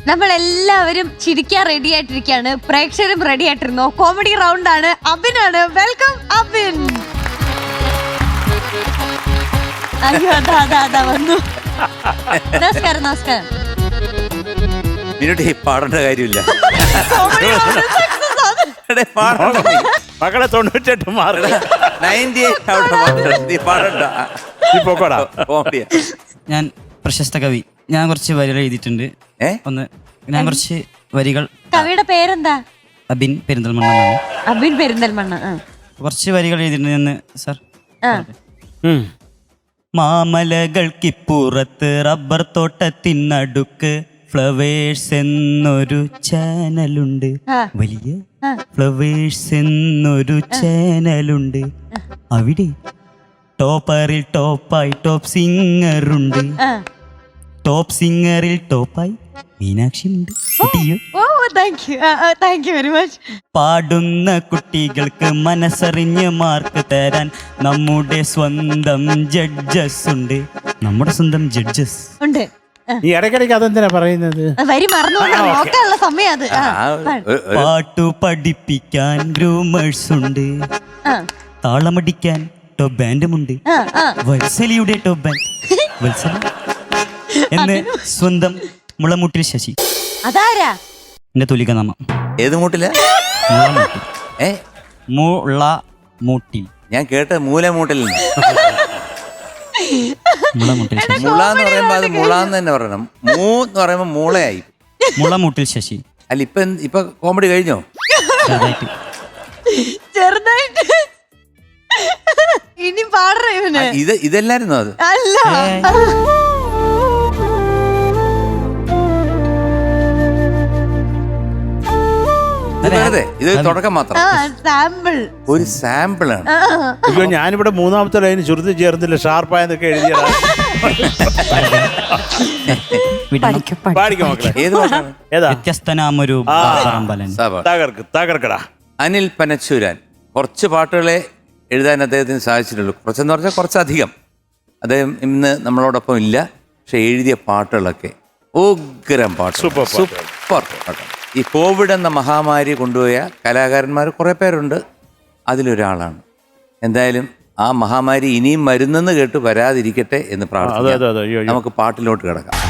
നമ്മളെല്ലാവരും ചിരിക്കാൻ റെഡി ആയിട്ടിരിക്കുകയാണ്, പ്രേക്ഷകരും റെഡി ആയിട്ടിരുന്നോ? കോമഡി റൗണ്ട് ആണ്. അബിനാണ്. വെൽക്കം അബിൻ. അയ്യോ അതാ വന്നു. നമസ്കാരം. നമസ്കാരം. പാടേണ്ട കാര്യമില്ല. മകളെ 98 മാർക്ക്. ഞാൻ പ്രശസ്ത കവി. ഞാൻ കുറച്ച് വരികൾ എഴുതിയിട്ടുണ്ട്. ഞാൻ കുറച്ച് വരികൾ. കവിയുടെ പേരെന്താ? അബിൻ പെരിന്തൽമണ്ണ. അബിൻ പെരിന്തൽമണ്ണ. കുറച്ച് വരികൾ എഴുതിയിട്ടുണ്ട് സാർ. മാമലകൾക്കിപ്പുറത്ത് റബ്ബർ തോട്ടത്തിനടുക്ക് ഫ്ലവേഴ്സ് എന്നൊരു ചാനലുണ്ട്. വലിയ ഫ്ലവേഴ്സ് എന്നൊരു ചാനലുണ്ട്. അവിടെ ടോപ്പറിൽ ടോപ്പായി ടോപ്പ് സിംഗറുണ്ട്. ടോപ്പ് സിംഗറിൽ ടോപ്പായി മീനാക്ഷി ഉണ്ട്. പാടുന്ന കുട്ടികൾക്ക് മനസ്സറിഞ്ഞ് മാർക്ക് തരാൻ നമ്മുടെ സ്വന്തം ജഡ്ജസ് ഉണ്ട്. നമ്മുടെ സ്വന്തം ജഡ്ജസ് ഉണ്ട്. ഈ ഇടയ്ക്കിടയ്ക്ക് അതെന്തിനാ പറയുന്നത്? വരി മറന്നു സമയം അത്. പാട്ടു പഠിപ്പിക്കാൻ ഗ്രൂമേഴ്സ് ഉണ്ട്. താളമടിക്കാൻ ടോപ്പ് ബാൻഡുമുണ്ട്. വത്സലിയുടെ ടോപ്പ് ബാൻഡ് വത്സല എന്ന് സ്വന്തം മുളമുട്ടിൽ ശശി. അതാരാ? എന്റെ തുലിക നാമം. ഏത് മൂട്ടില? മുളമുട്ടിൽ. ഞാൻ കേട്ട മൂലമൂട്ടിൽ. മുളമുട്ടിൽ ശശി. മുളാന്ന് പറയുമ്പോ അത് മുളാന്ന് തന്നെ പറയണം. മൂ എന്ന് പറയുമ്പോ മൂളയായി. മുളമുട്ടിൽ ശശി. അല്ല ഇപ്പൊ കോമഡി കഴിഞ്ഞോ? ചെറുതായിട്ട്. ഇനി പാടണേ. ഇതല്ലായിരുന്നോ അത്? അല്ല. ഇത് തുടക്കം മാത്രം. ഒരു സാമ്പിൾ ആണ്. അയ്യോ ഞാനിവിടെ മൂന്നാമത്തെ ലൈന് ചുരുത്തി ചേർന്നില്ല. ഷാർപ്പായെന്നൊക്കെ എഴുതിയതാ. വ്യത്യസ്തനാമൊരു തകർക്കടാ. അനിൽ പനച്ചൂരാൻ. കുറച്ച് പാട്ടുകളെ എഴുതാൻ അദ്ദേഹത്തിന് സാധിച്ചിട്ടുള്ളൂ. കുറച്ചെന്ന് പറഞ്ഞാൽ കുറച്ചധികം. അദ്ദേഹം ഇന്ന് നമ്മളോടൊപ്പം ഇല്ല. പക്ഷെ എഴുതിയ പാട്ടുകളൊക്കെ ഉഗ്രം പാട്ട്. സൂപ്പർ പാട്ട്. ഈ കോവിഡ് എന്ന മഹാമാരി കൊണ്ടുപോയ കലാകാരന്മാർ കുറേ പേരുണ്ട്. അതിലൊരാളാണ്. എന്തായാലും ആ മഹാമാരി ഇനിയും വരുന്നെന്ന് കേട്ട് വരാതിരിക്കട്ടെ എന്ന് പ്രാർത്ഥിക്കാം. നമുക്ക് പാട്ടിലോട്ട് കിടക്കാം.